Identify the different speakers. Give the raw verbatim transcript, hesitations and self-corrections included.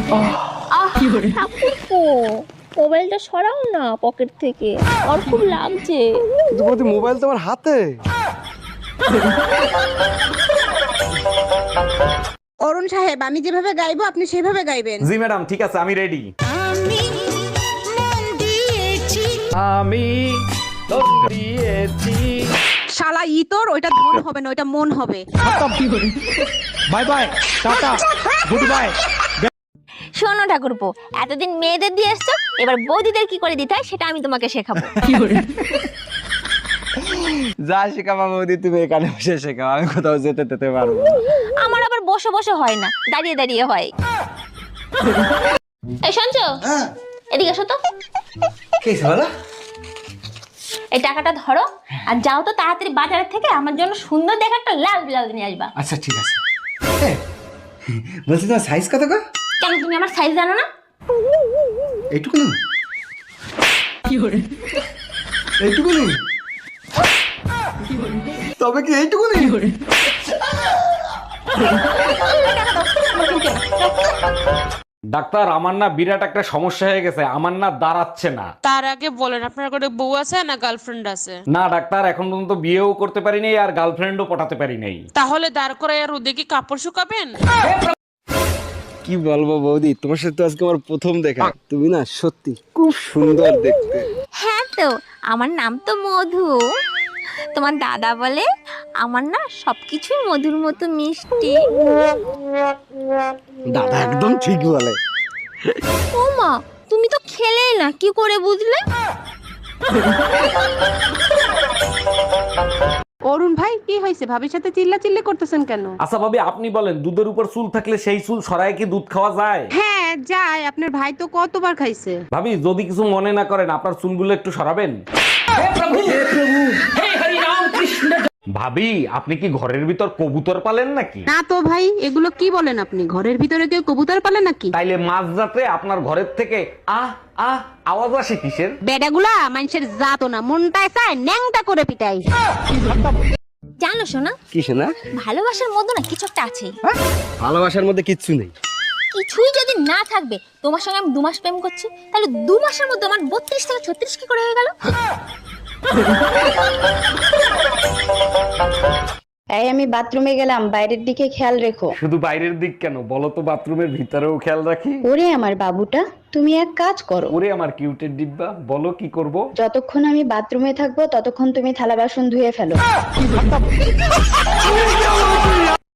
Speaker 1: আহ ঠাকুরপো, মোবাইলটা সরাও না পকেট থেকে, আমার খুব লাগছে।
Speaker 2: কিন্তু মোবাইল তোমার হাতে।
Speaker 3: অরুণ সাহেব, আমি যেভাবে গাইবো আপনি সেভাবে গাইবেন।
Speaker 4: জি ম্যাডাম, ঠিক আছে, আমি রেডি। আমি দিয়েছি।
Speaker 3: শালা ইতর, ওইটা ধন হবে না, ওইটা মন হবে।
Speaker 4: Bye bye, tata, goodbye.
Speaker 1: শোনো ঠাকুরপো, এতদিন মেয়েদের দিয়ে এসছো, এবার বৌদিদের কি করে দিতে হয় সেটা আমি তোমাকে শেখাবো।
Speaker 2: যা শেখাবা বৌদি তুমি এখানে বসে শেখাও, আমি কোথাও যেতে যেতে পারবো।
Speaker 1: আমার আবার বসে বসে হয় না, দাঁড়িয়ে দাঁড়িয়ে হয়। এই শুনছো, এদিকে এসো তো।
Speaker 2: কি বলো?
Speaker 1: এই টাকাটা ধরো আর যাও তো তাড়াতাড়ি বাজারের থেকে আমার জন্য সুন্দর দেখে একটা লাল ব্লাউজ নিয়ে আসবা।
Speaker 2: আচ্ছা ঠিক আছে। বলছি তোমার সাইজ কত গো?
Speaker 1: কেন, তুমি আমার সাইজ জানো না?
Speaker 2: এইটুকু না? কি করে এইটুকু নেই? তবে কি এইটুকু নেই?
Speaker 4: ডাক্তার, আমার না বিরাট একটা সমস্যা হয়ে গেছে, আমার না দাঁড়াচ্ছে না।
Speaker 5: তার আগে বলেন আপনার কোনো বউ আছে না গার্লফ্রেন্ড আছে?
Speaker 4: না ডাক্তার, এখন পর্যন্ত বিয়েও করতে পারি নাই আর গার্লফ্রেন্ডও পটাতে পারি নাই।
Speaker 5: তাহলে দাঁড় করে আর রোদে কি কাপড় শুকাবেন?
Speaker 2: কি বলবো বৌদি, তোমার সাথে আজকে আমার প্রথম দেখা। তুমি না সত্যি খুব সুন্দর দেখতে।
Speaker 1: হ্যাঁ তো, আমার নাম তো মধু। তোমার দাদা বলে আমার না সবকিছুই মধুর মতো মিষ্টি।
Speaker 2: দাদা একদম ঠিক বলে।
Speaker 1: ও মা, তুমি তো খেলেই না, কি করে বুঝলে?
Speaker 3: অরুণ ভাই, কি হয়েছে? ভাবির সাথে চিল্লা চিল্লি করতেছেন কেন?
Speaker 4: আচ্ছা ভাবি, আপনি বলেন, দুধের উপর চুল থাকলে সেই চুল সরায় কি দুধ খাওয়া যায়?
Speaker 3: হ্যাঁ যায়, আপনার ভাই তো কতবার খাইছে।
Speaker 4: ভাবি, যদি কিছু মনে না করেন, আপনার চুলগুলো একটু সরাবেন। ভাবি, আপনি কি ঘরের ভিতর কবুতর পালেন নাকি?
Speaker 3: না তো ভাই, এগুলো কি বলেন আপনি? ঘরের ভিতরে কেউ কবুতর পালে নাকি?
Speaker 4: তাইলে মাঝরাতে আপনার ঘরের থেকে আহ আহ আওয়াজ আসে কিসের?
Speaker 3: বেডাগুলা মানুষের জাতো না, মনটায় চায় ন্যাংটা করে পিটাই।
Speaker 1: জানো শোনা,
Speaker 2: কি শোনা?
Speaker 1: ভালোবাসার মধ্যে না কিছু একটা আছে।
Speaker 2: ভালোবাসার মধ্যে কিচ্ছু নেই।
Speaker 1: কিছুই যদি না থাকবে, তোমার সঙ্গে আমি দু মাস প্রেম করছি, তাহলে দু মাসের মধ্যে আমার বত্রিশ থেকে ছত্রিশ কি করে হয়ে গেল?
Speaker 6: এই আমি বাথরুমে গেলাম, বাইরের দিকে খেয়াল রেখো।
Speaker 4: শুধু বাইরের দিক কেন, বলো তো বাথরুমের ভিতরেও খেয়াল রাখি।
Speaker 6: ওরে আমার বাবুটা, তুমি এক কাজ করো।
Speaker 4: ওরে আমার কিউটের ডিব্বা, বলো কি করব?
Speaker 6: যতক্ষণ আমি বাথরুমে থাকবো ততক্ষণ তুমি থালা বাসন ধুয়ে ফেলো।